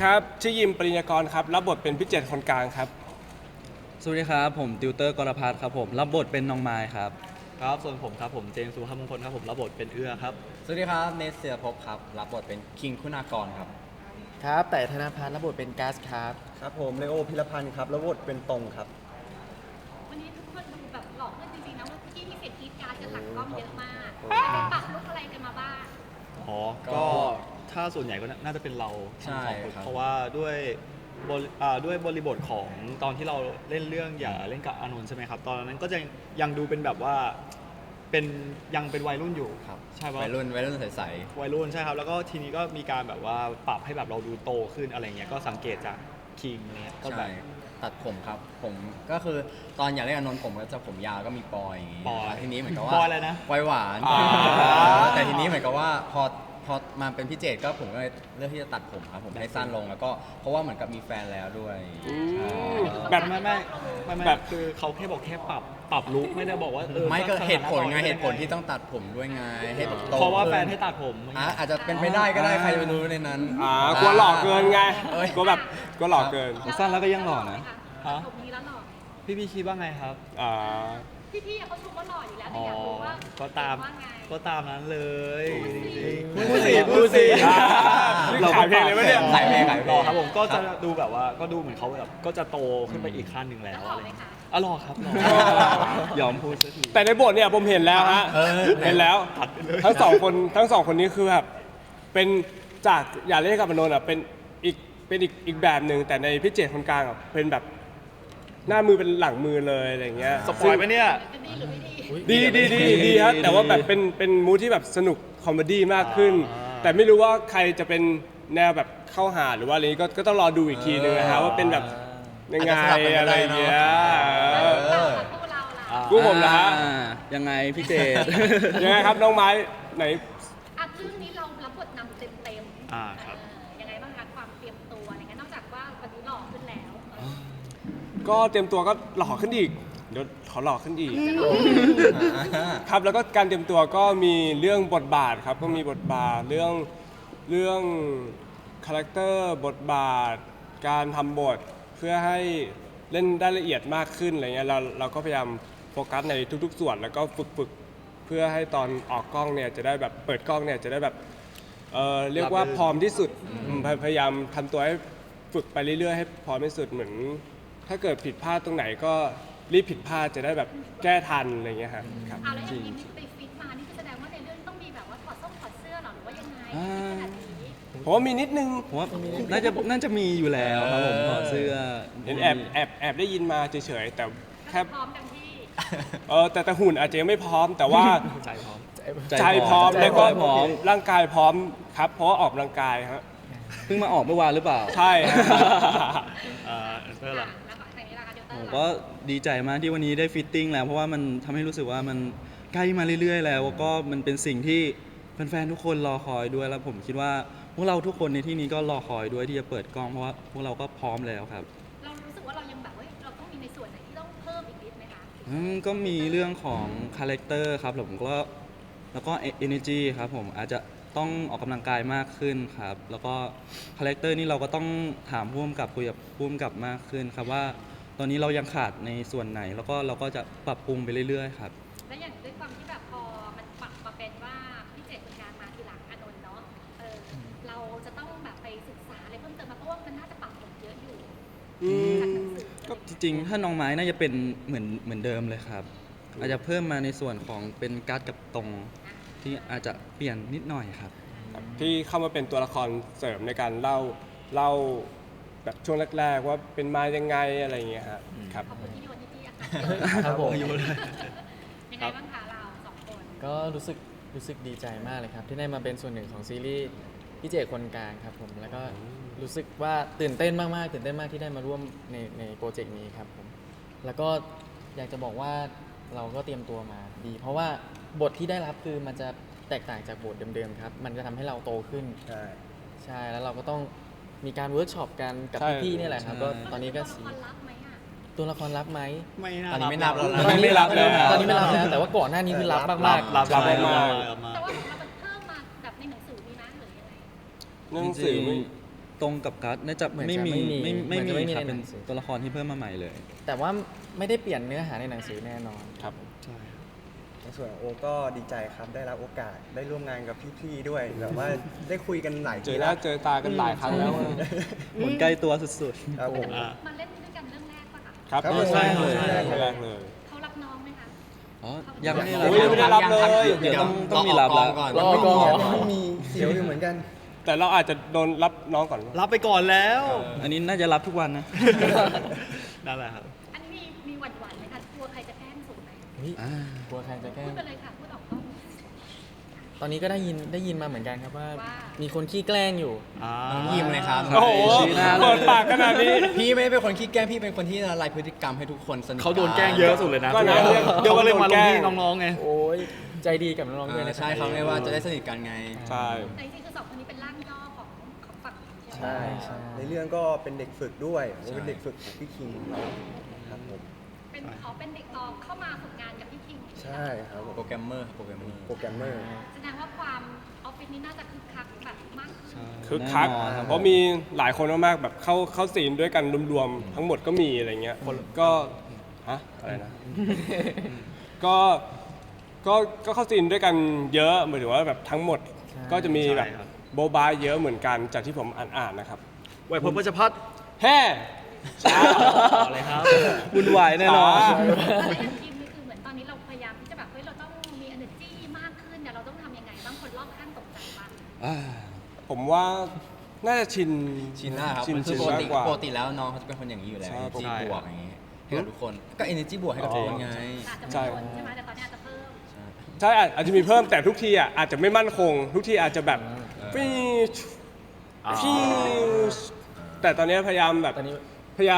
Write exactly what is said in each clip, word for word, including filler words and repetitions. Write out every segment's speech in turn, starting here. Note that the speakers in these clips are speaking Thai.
ครับชื่อยิมปริญญากรครับรับบทเป็นพี่เจตคนกลางครับสวัสดีครับผมติวเตอร์กรพัฒน์ครับผมรับบทเป็นน้องไม้ครับครับส่วนผมครับผมเจมส์สุภาพมงคลครับผมรับบทเป็นเอื้อครับสวัสดีครับเนสเซียภพครับรับบทเป็นคิงคุณากรครับครับแต่ธนพัฒน์รับบทเป็นก๊าซครับครับผมเลโอพิรพันธ์ครับรับบทเป็นตรงครับวันนี้ทุกคนดูแบบหล่อขึ้นจริงๆนะว่าที่มีเสียงกรี๊ดกราร์ดกันหลังกล้องเยอะมากไปปรับลุกอะไรกันมาบ้างอ๋อก็ถ้าส่วนใหญ่ก็น่าจะเป็นเราทั้งสองคนเพราะว่าด้วยบริอ่าด้วยบริบทของตอนที่เราเล่นเรื่องอย่าเล่นกับอานนท์ใช่ไหมครับตอนนั้นก็จะยังดูเป็นแบบว่าเป็นยังเป็นวัยรุ่นอยู่ครับใช่ป่ะวัยรุ่นวัยรุ่นใสๆวัยรุ่นใช่ครับแล้วก็ทีนี้ก็มีการแบบว่าปรับให้แบบเราดูโตขึ้นอะไรเงี้ยก็สังเกตจากคิงเนี่ยก็แบบตัดผมครับผมก็คือตอนอยากเล่นอานนท์ผมก็จะผมยาวก็มีปอยอย่างงี้ปอยทีนี้เหมือนกับว่าปอยอะไรนะปอยหวานแต่ทีนี้เหมือนกับว่าพอพอมาเป็นพี่เจตก็ผมก็เลยเลือกที่จะตัดผมครับผมให้สั้นลงแล้วก็เพราะว่าเหมือนกับมีแฟนแล้วด้วยแบบไม่ไม่ไม่แบบคือเขาแค่บอกแค่ปรับปรับลุคไม่ได้บอกว่าเออไม่ก็เหตุผลไงเหตุผลที่ต้องตัดผมด้วยไงให้แบบโตเพราะว่าแฟนให้ตัดผมอาจจะเป็นไปได้ก็ได้ใครจะไปรู้ในนั้นอ่ากลัวหล่อเกินไงกลัวแบบกลัวหล่อเกินสั้นแล้วก็ยังหล่อนะฮะผมนี้แล้วหล่อพี่พี่คิดว่าไงครับอ่าพี่ๆเขาชมว่าหล่ออยู่แล้วแต่อยากรู้ว่าก็ตามก็ตามนั้นเลยพูดสิพูดสิเราขายเพลงเลยไหมเนี่ยขายเพลงขายเพลงครับผมก็จะดูแบบว่าก็ดูเหมือนเขาแบบก็จะโตขึ้นไปอีกขั้นหนึ่งแล้วอะไรอ๋อหล่อครับยอมพูดสักทีแต่ในบทเนี่ยผมเห็นแล้วฮะเห็นแล้วทั้งสองคนทั้งสองคนนี้คือแบบเป็นจากอย่าเล่นกับอานนท์อ่ะเป็นอีกเป็นอีกอีกแบบหนึ่งแต่ในพี่เจตคนกลางอ่ะเป็นแบบหน้ามือเป็นหลังมือเลยอะไรเงี้ยสปอยล์ไหมเนี่ยดีดีดีดีครับแต่ว่าแบบเป็นเป็นมูทที่แบบสนุกคอมเมดี้มากขึ้นแต่ไม่รู้ว่าใครจะเป็นแนวแบบเข้าหาหรือว่าอะไรก็ก็ต้องรอดูอีกทีนึงนะฮะว่าเป็นแบบยังไงอะไรเงี้ยกู้ผมนะฮะยังไงพี่เจตยังไงครับน้องไม้ไหนอ่ะเรื่องนี้เรารับบทนำเต็มเต็มอ่าครับยังไงบ้างคะความเตรียมตัวอะไรเงี้ยนอกจากว่าวันนี้หล่อขึ้นแล้วก็เตรียมตัวก็หล่อขึ้นอีกเดี๋ยวขอหล่อขึ้นอีกครับแล้วก็การเตรียมตัวก็มีเรื่องบทบาทครับก็มีบทบาทเรื่องเรื่องคาแรคเตอร์บทบาทการทำบทเพื่อให้เล่นได้ละเอียดมากขึ้นอะไรเงี้ยเราเราก็พยายามโฟกัสในทุกๆส่วนแล้วก็ฝึกฝึกเพื่อให้ตอนออกกล้องเนี่ยจะได้แบบเปิดกล้องเนี่ยจะได้แบบเออเรียกว่าพร้อมที่สุดพยายามทำตัวให้ฝึกไปเรื่อยๆให้พร้อมที่สุดเหมือนถ้าเกิดผิดพลาดตรงไหนก็รีบผิดพลาดจะได้แบบแก้ทันอะไรเงี้ยครับครับเอาแล้วอย่างนี้ไปฟิตมานี่แสดงว่าในเรื่องต้องมีแบบว่าถอดส้มถอดเสื้อหรอหรือว่ายังไงขนาดนี้ผมว่ามีนิดนึงผมว่าน่าจะน่าจะมีอยู่แล้วครับผมถอดเสื้อเห็นแอบแอบแอบได้ยินมาเฉยๆแต่แค่พร้อมกันที่เออแต่แต่หุ่นอาจจะยังไม่พร้อมแต่ว่าใจพร้อมใจพร้อมแล้วก็ร่างกายพร้อมครับเพราะออกกำลังกายครับเพิ่งมาออกเมื่อวานหรือเปล่าใช่เพื่ออะไรผมก็ดีใจมากที่วันนี้ได้ฟิตติ้งแล้วเพราะว่ามันทำให้รู้สึกว่ามันใกล้มาเรื่อยๆแล้วก็มันเป็นสิ่งที่แฟนๆทุกคนรอคอยด้วยแล้วผมคิดว่าพวกเราทุกคนในที่นี้ก็รอคอยด้วยที่จะเปิดกล้องเพราะว่าพวกเราก็พร้อมแล้วครับเรารู้สึกว่าเรายังแบบว่าเราต้องมีในส่วนไหนที่ต้องเพิ่มอีกนิดไหมคะก็มีเรื่องของคาแรคเตอร์ครับผมก็แล้วก็ energy ครับผมอาจจะต้องออกกำลังกายมากขึ้นครับแล้วก็คาแรคเตอร์นี่เราก็ต้องถามผู้กำกับคุยกับผู้กำกับมากขึ้นครับว่าตอนนี้เรายังขาดในส่วนไหนแล้วก็เราก็จะปรับปรุงไปเรื่อยๆครับและอย่างด้วยความที่แบบพอมันปรับมาเป็นว่าพี่เจตคนกลางมาทีหลังอานนท์เนาะเออเราจะต้องแบบไปศึกษาอะไรเพิ่มเติมมาเพราะว่ามันน่าจะปรับผมเยอะอยู่ก็จริงๆถ้าน้องไม้น่าจะเป็นเหมือนเหมือนเดิมเลยครับอาจจะเพิ่มมาในส่วนของเป็นการ์ดกับตรงที่อาจจะเปลี่ยนนิดหน่อยครับที่เข้ามาเป็นตัวละครเสริมในการเล่าเล่าแบบช่วงแรกๆว่าเป็นมายังไงอะไรอย่างเงี้ยครับขอบคุณที่มีวันที่พี่อะครับผมยังไงบ้างคะเราสองคนก็รู้สึกรู้สึกดีใจมากเลยครับที่ได้มาเป็นส่วนหนึ่งของซีรีส์พี่เจตคนกลางครับผมแล้วก็รู้สึกว่าตื่นเต้นมากๆตื่นเต้นมากที่ได้มาร่วมในในโปรเจกต์นี้ครับผมแล้วก็อยากจะบอกว่าเราก็เตรียมตัวมาดีเพราะว่าบทที่ได้รับคือมันจะแตกต่างจากบทเดิมๆครับมันจะทำให้เราโตขึ้นใช่ใช่แล้วเราก็ต้องมีการเวิร์กช็อปกันกับพี่ๆนี่แหละครับก็ตอนนี้ก็สีตัวละครรับไหมไม่ตอนนี้ไม่นับแล้วตอนนี้ไม่รับแล้วตอนนี้ไม่รับแล้วแต่ว่าก่อนหน้านี้คือรับมากๆรับมากแต่ว่าของเรามันเพิ่มมาแบบในหนังสือมีนะหรือยังไงหนังสือตรงกับการ์ดน่าจะเหมือนจะไม่มีไม่มีไม่เหมืไม่อนจะไม่มีมีครับในเป็นหนังสือตัวละครที่เพิ่มมาใหม่เลยแต่ว่าไม่ได้เปลี่ยนเนื้อหาในหนังสือแน่นอนครับใช่ในส่วนของโอก็ดีใจครับได้รับโอกาสได้ร่วมงานกับพี่ๆด้วยแบบว่าได้คุยกันหลายเจทีอหแล้น้าว เจอตากันหลายครั้งแล้วอะเหมือนใกล้ตัวสุดครับผมอ่ามาเล่นด้วยกันเรื่องแรกปะคะครับครับใช่เลยใช่แรกเลยเขารับน้องไหมคะๆอ๋อยังไม่ได้โอ้ยยังไม่ได้รับเลยเดี๋ยวต้องต้องมีรับรแล้อวก่อนรอก่อนไม่มีเสียวอยู่เหมือนกันแต่เราอาจจะโดนรับน้องก่อนรับไปก่อนแล้วอันนี้น่าจะรับทุกวันนะนั่นแหละครับอันนี้มีมีหวั่นหวั่นๆไหมคะกลัวใครจะแกล้งสูงไหมอ่ากลัวใครจะแกล้พูงดไปเลยค่ะพูดออกกล้องตอนนี้ก็ได้ยินได้ยินมาเหมือนกันครับว่าว่ามีคนขี้แกล้งอยู่อ่าน้องยิมเลยครับโอ้โหชี้หน้าเลยเปิดปากขนาดนี้พี่ไม่ได้เป็นคนขี้แกล้งพี่เป็นคนที่ละลายพฤติกรรมให้ทุกคนสนิทเขาโดนแกล้งเยอะสุดเลยนะก็นะเดี๋ยวก็เลยมาลงที่โดนแกล้งน้องๆไงโอ้ยใจดีกับน้องๆด้วยเออนะใช่เขาเรียกว่าจะได้สนิทกันไงใช่แต่จริงๆคือสองคนนี้เป็นร่างย่อของของฝั่งใช่ไหมใช่ใช่ในเรื่องก็เป็นเด็กฝึกด้วยโอเป็นเด็กฝึกของพี่คิงครับผมเป็นเขาเป็นเด็กตองเข้ามาฝึกงานกับพี่คิงใช่ครับผมโปรแกรมเมอร์ครับโปรแกรมเมอร์โปรแกรมเมอร์แสดงว่าความออฟฟิศนี้น่าจะคึกคักแบบมากขึ้นคึกคักแน่นอนครับเพราะมีหลายคนมากๆแบบเข้าเข้าซีนด้วยกันรวมๆทั้งหมดก็มีอะไรเงี้ยคนก็ฮะอะไรนะ ก็ก็ก็เข้าซีนด้วยกันเยอะหมายถึงว่าแบบทั้งหมดก็จะมีแบบใช่ครับโบบาเยอะเหมือนกันจากที่ผมอ่านๆนะครับไหวพบวัชพัฒน์แฮ่ช้าต่อเลยครับวุ่นวายแน่นอนช้าแต่อย่างทีมนี่คือเหมือนตอนนี้เราพยายามที่จะแบบเฮ้ยเราต้องมี energy มากขึ้นเนี่ยเราต้องทำยังไงบ้างคนรอบข้างตกใจปะอ่าผมว่าน่าจะชินชินแล้วครับชินมันคืชิอน ปกมากติกว่าปกติแล้วน้องเขาจะเป็นคนอย่างนี้อยู่แล้วใช่ energy ใช่บวกอย่างนี้ให้กับทุกคนก็ energy บวกให้กับทุกคนไงอาจจะใช่ไม่พ้นใช่ไหมแต่ตอนนี้อาจจะเพิ่มใช่อาจอาจจะมีเพิ่มแต่ทุกทีอ่ะอาจจะไม่มั่นคง ทุกทีอาจจะแบบฟีชอ่าฟีชแต่ตอนนี้พยายามแบบตอนนี้พยายาม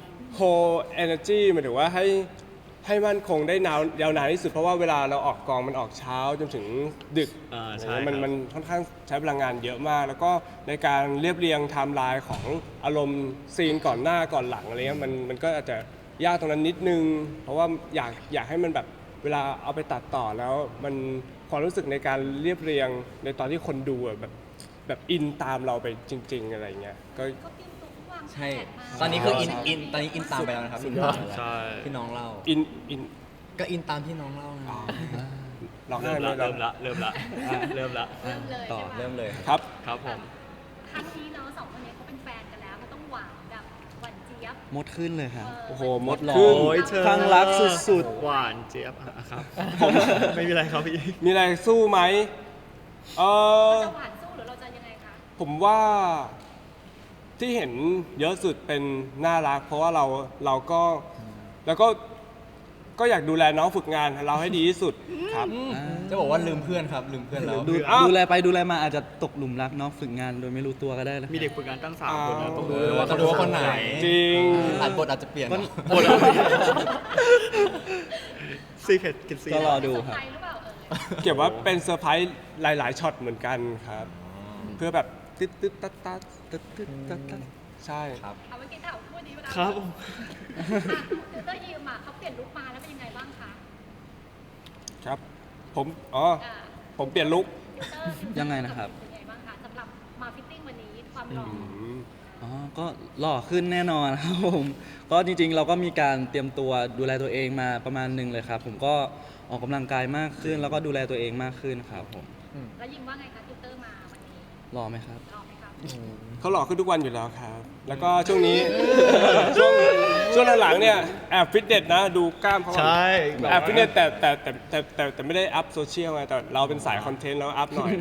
hold energy หมายถึงว่าให้ให้มั่นคงได้นาวยาวนานที่สุดเพราะว่าเวลาเราออกกองมันออกเช้าจนถึงดึกอ่าใช่มันครับมันค่อนข้างใช้พลังงานเยอะมาก แล้วก็ในการเรียบเรียงไทม์ไลน์ของอารมณ์ซีนก่อนหน้าก่อนหลังอะไรเงี้ยมันมันก็อาจจะยากตรงนั้นนิดนึง เพราะว่าอยากอยากให้มันแบบเวลาเอาไปตัดต่อแล้วมันความรู้สึกในการเรียบเรียงในตอนที่คนดูอะแบบแบบอินตามเราไปจริง ๆ อะไรเงี้ยก็เขาเตรียมตัววางแผใช่นมาตอนนี้คืออินอินตอนนี้อินตามไปแล้วนะครับอินตามไปแล้วใช่ที่น้องเล่าอินอินก็อินตามที่น้องเล่าไงร้องไห้เริ่มไหมละเริ่มละเริ่มละอ่ะเริ่มละเริ่มเลยต่อใช่ไหมเริ่มเลยครับครับผมครั้งนี้เนาะสองคนนี้เขาเป็นแฟนกันแล้วเขาต้องหวานแบบหวานเจี๊ยบมดขึ้นเลยครับโอ้โหมดหล่อขึ้นโอ้ยเธอข้างรักสุดหวานเจี๊ยบอ่ะครับผมไม่มีอะไรครับพี่มีอะไรสู้ไหมเออเราจะหวานสู้หรือเราจะยังไงคะผมว่าที่เห็นเยอะสุดเป็นน่ารัก เพราะว่าเราเราก็แล้วก็ก็อยากดูแลน้องฝึกงานเราให้ดีที่สุดครับจะบอกว่าลืมเพื่อนครับลืมเพื่อนแล้วดูอ้าวดูแลไปดูแลมาอาจจะตกหลุมรักน้องฝึกงานโดยไม่รู้ตัวก็ได้นะมีเด็กฝึกงานตั้งสามคนนะอ้าวต้องดูเออด้วยว่าต้องดูว่าคนไหนจริงอาจบทอาจจะเปลี่ยนบทอะไรซีเคร็ตกินซีก็รอดูเซอร์ครัไพบรส์หรือเปล่าเออเก็บว่าเป็นเซอร์ไพรส์หลาย ๆช็อตเหมือนกันครับ เพื่อแบบตึ๊ดตึ๊ดตัดตัดตึ๊ดตึ๊ดตัดตัดใช่ครับเอาเมื่อกี้ถามพูดดีเวลาครับอ่ะติวเตอร์ยิมอ่ะเขาเปลี่ยนลุคมาแล้วเป็นยังไงบ้างคะครับผมอ๋ออ่าผมเปลี่ยนลุคติวเตอร์ติวเตอยังไงนะครับเป็นยังไงบ้างคะสำหรับมาฟิตติ้งวันนี้ความหล่อออืมอ๋อ ก็หล่อขึ้นแน่นอนครับผม ก็จริงๆ เราก็มีการเตรียมตัวดูแลตัวเองมาประมาณหนึ่งเลยครับ ผมก็ออกกำลังกายมากขึ้น แล้วก็ดูแลตัวเองมากขึ้นครับผมแล้วยิมว่าไงคะติวเตอร์มาวันนี้หล่อไหมครับหล่อไหมครับเขาหล่อขึ้นทุกวันอยู่แล้วครับ แล้วก็ช่วงนี้ ช่วงช่วงหลังๆเนี่ยแอบฟิตเนสนะดูกล้ามเขาใช่แอบฟิตเนสแต่แต่แต่แต่แต่แต่ไม่ได้อัพโซเชียลไงแต่เราเป็นสายคอนเทนต์แล้วอัพหน่อย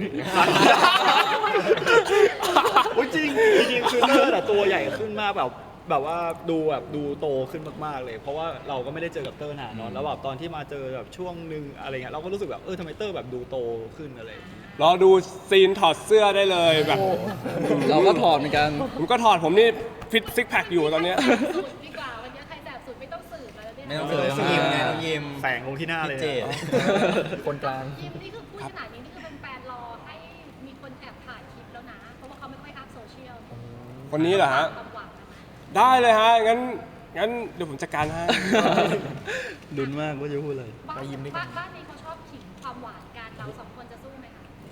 โอ้ยจริงจริงๆคือเตอร์แต่ตัวใหญ่ขึ้นมากแบบแบบว่าดูแบบดูโตขึ้นมากๆเลย เพราะว่าเราก็ไม่ได้เจอกับเตอร์นานเนอะแล้วแบบตอนที่มาเจอแบบช่วงหนึ่งอะไรเงี้ยเราก็รู้สึกแบบเออทำไมเตอร์แบบดูโตขึ้นอะไรอย่างเงี้ยรอดูซีนถอดเสื้อได้เลยแบบเราก็ถอดเหมือนกันผมก็ถอดผมนี่ฟิตซิกแพคอยู่ตอนเนี้ยสุดดีกว่าวันนี้ใครแสบสุดไม่ต้องสืบแล้วเนี่ยไม่ต้องเจอต้องยิ้มไงต้องยิ้มแสงลงที่หน้าเลยพี่เจนะคนกลางยิมนี่คือพูดขนาดนี้นี่คือเป็นแฟนรอให้มีคนแอบถ่ายคลิปแล้วนะ เพราะว่าเขาไม่ค่อยอัพโซเชียลคนนี้เหรอฮะความหวังนะคะได้เลยฮะ งั้น งั้นเดี๋ยวผมจัดการให้ลุ้นมากว่าจะพูดอะไรบ้านไปยิมด้วยกันบ้านบ้านนี้เขาชอบขิงความหวานกันเราสองคนจะสู้ไหมคะผ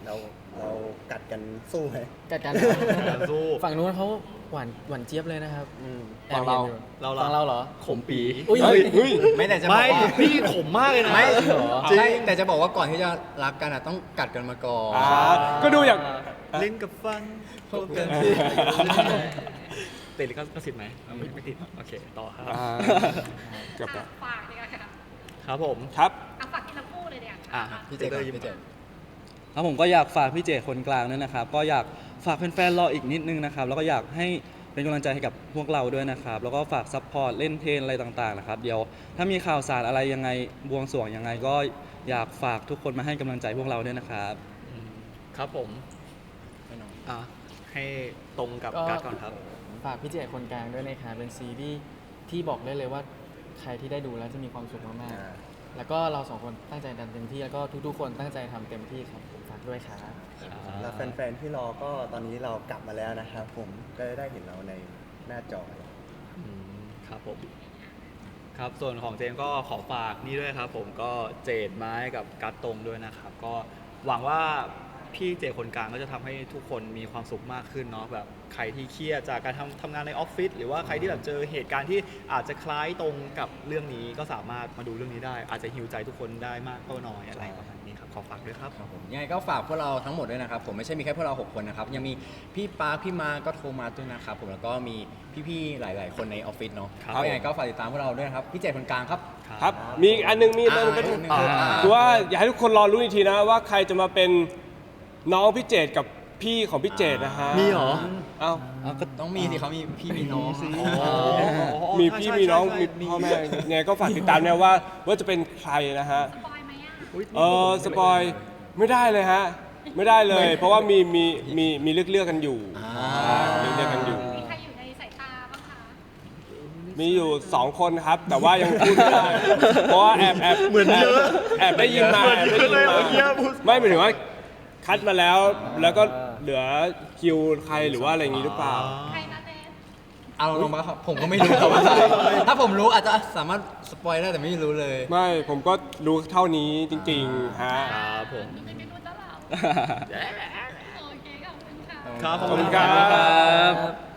เราเรากัดกันสู้ไหมกัดกันการสู้ฝั่งนู้นเขาหวานหวานเจี๊ยบเลยนะครับอืมแอบห็นอยู่เราเราฝั่งเราเหรอขมปีอุ้ยเฮ้ยเฮ้ยไม่แต่จะบอไม่กว่าพี่ขมมากเลยนะไม่จริงเหรอใช่แต่จะบอกว่าก่อนที่จะรักกันอ่ะต้องกัดกันมาก่อนอ่าก็ดูอย่างเล่นกับฟันพบกันสิติดลิขสิทธิ์ไหมอ่ะไม่ไม่ติด โอเค ต่อครับอ่าเกือบแล้วอ่ะฝากดีกว่าค่ะครับผมครับอ่ะฝากที่เราพูดเลยเนี่ยอ่ะพี่เจก่อนพี่เจครับผมก็อยากฝากพี่เจคนกลางด้วยนะครับ ก็อยากฝากแฟนๆรออีกนิดนึงนะครับ แล้วก็อยากให้เป็นกำลังใจให้กับพวกเราด้วยนะครับ แล้วก็ฝากซัพพอร์ตเล่นเทรนอะไรต่างๆนะครับ เดี๋ยวถ้ามีข่าวสารอะไรยังไงบวงสรวงยังไง ก็อยากฝากทุกคนมาให้กำลังใจพวกเราด้วยนะครับอืมครับผมอ่ะให้ตรงกับก็การ์ดก่อนครับฝากพี่เจคนกลางด้วยนะครับเป็นซีรีส์ที่บอกได้เลยว่าใครที่ได้ดูแล้วจะมีความสุขมากอ่าๆแล้วก็เราสองคนตั้งใจทำเต็มที่แล้วก็ทุกๆ คนตั้งใจทำเต็มที่ครับผมฝากด้วยครับแล้วแฟนๆที่รอก็ตอนนี้เรากลับมาแล้วนะครับผมก็ได้เห็นเราในหน้าจออืมครับผม ครับ ส่วนของเจมส์ก็ขอฝากนี่ด้วยครับ ผมก็เจดไม้กับการ์ดตรงด้วยนะครับ ก็หวังว่าพี่เจคนกลางก็จะทำให้ทุกคนมีความสุขมากขึ้นเนาะแบบใครที่เครียดจากการทำทำงานในออฟฟิศหรือว่าใครที่แบบเจอเหตุการณ์ที่อาจจะคล้ายตรงกับเรื่องนี้ก็สามารถมาดูเรื่องนี้ได้ อาจจะฮิวใจทุกคนได้มากก็น้อยอะไรประมาณนี้ครับขอฝากด้วยครับครับผมยังไงก็ฝากพวกเราทั้งหมดด้วยนะครับ ผมไม่ใช่มีแค่พวกเราหกคนนะครับ ยังมีพี่ปาร์คพี่มาก็โทรมาด้วยนะครับผมแล้วก็มีพี่ๆหลาย ๆ คนในออฟฟิศเนาะครับก็ยังไงก็ฝากติดตามพวกเราด้วยนะครับ พี่เจคนกลางครับครับ มีอีกอันหนึงมีอีกอันหนึงก็อ่าคือว่าอยากให้ทุกคนรอรู้อีกทีนะว่าใครจะมาเป็นน้องพี่เจตกับพี่ของพี่เจตนะฮะมีเหรอเอ้าต้องมีสิเขามีพี่มีน้องมีพี่มีน้องมีพ่อแม่ไงก็ฝากติดตามนะว่าว่าจะเป็นใครนะฮะสปอยไหมอ่ะเออสปอยไม่ได้เลยฮะ ไม่ได้เลย เพราะว่ามีมีมีมีเลือกเลือกกันอยู่อ่าเลือกเลือกกันอยู่มีใครอยู่ในสายตาบ้างคะมีอยู่สองคนครับ แต่ว่ายังพูดไม่ได้ เพราะว่าแอบแอบเหมือนเยอะแอบได้ยินมาแอบได้ยินมาไม่หมายถึงว่าคัดมาแล้วแล้วก็เหลือคิวใครหรือว่าอะไรอย่างนี้หรือเปล่าใครนะเนสเอาลงมาครับผมก็ไม่รู้ครับว่าใครถ้าผมรู้อาจจะสามารถสปอยได้แต่ไม่รู้เลยไม่ผมก็รู้เท่านี้จริงๆฮะครับผมไม่ไม่รู้แล้วเราโอเคขอบคุณค่ะครับขอบคุณครับครับ